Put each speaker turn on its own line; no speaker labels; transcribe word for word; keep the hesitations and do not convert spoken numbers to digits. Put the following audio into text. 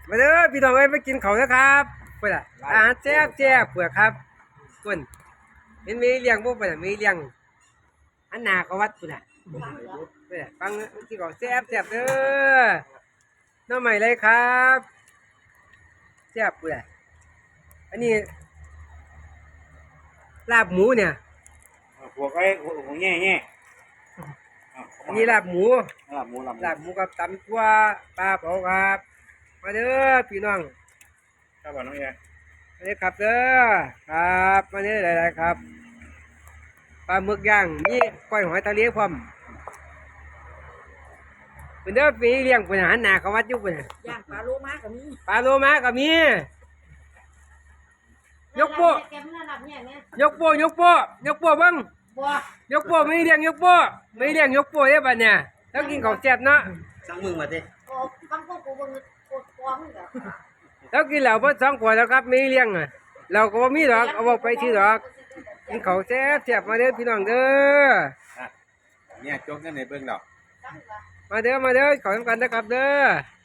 มาเด้อพี่น้องเอ้ยไปกินเขานะครับเพื่อนอะอาหารแซ่บแซ่บเพื่อครับเพื่อนเห็นมีเลี้ยงพวกเพื่อนมีเลี้ยงอันนาก็วัดเพื่อนอะเพื่อนฟังที่เขาแซ่บแซ่บเด้อน้องใหม่เลยครับแซ่บเพื่อนอันนี้ลาบหมูเนี่ย
หัวไอ้หัวหัวแง่แง่
อันนี้ลาบหมู
ลาบหมูลาบ
ลาบหมูกับตำตัวปลาเผาครับมาเด้อพี่น้อง
ครับน้องแง่
มาเด้อครับเด้อครับมาเด้อหลายๆครับปลาหมึกย่างนี่ก้อยหอยทะเลพร้อมเป็นเด้อปีเลี้ยงเป็นอาหารหนาเขาวัดอยุบเป็น
ย่างปลาโลมาก็มี
ปลาโลมาก็มียกโป้
แกมันระดับเนี่ยแม่
ยกโป้ยกโป้ยกโป้เบ้าง
บ่
ยกโป้ไม่เลี้ยงยกโป้ไม่เลี้ยงยกโป้เด้อบัดเนี่ยแล้วกินของแซ่บเนาะ
สั่งมึงมาดิ
โอ้คำพวกกูบ่กดฟ้องเด้อ
แล้วกินเหล้าเพิ่นสองขวดแล้วครับไม่เลี้ยงอ่ะเราก็บ่มีดอกเอาบอกไปที่ดอกกินของแซ่บแซ่บมาเด้อพี่น้องเด้อ
เนี่ยจกเงินในเบื้องดอก
มาเด้อมาเด้อขอทำกันนะครับเด้อ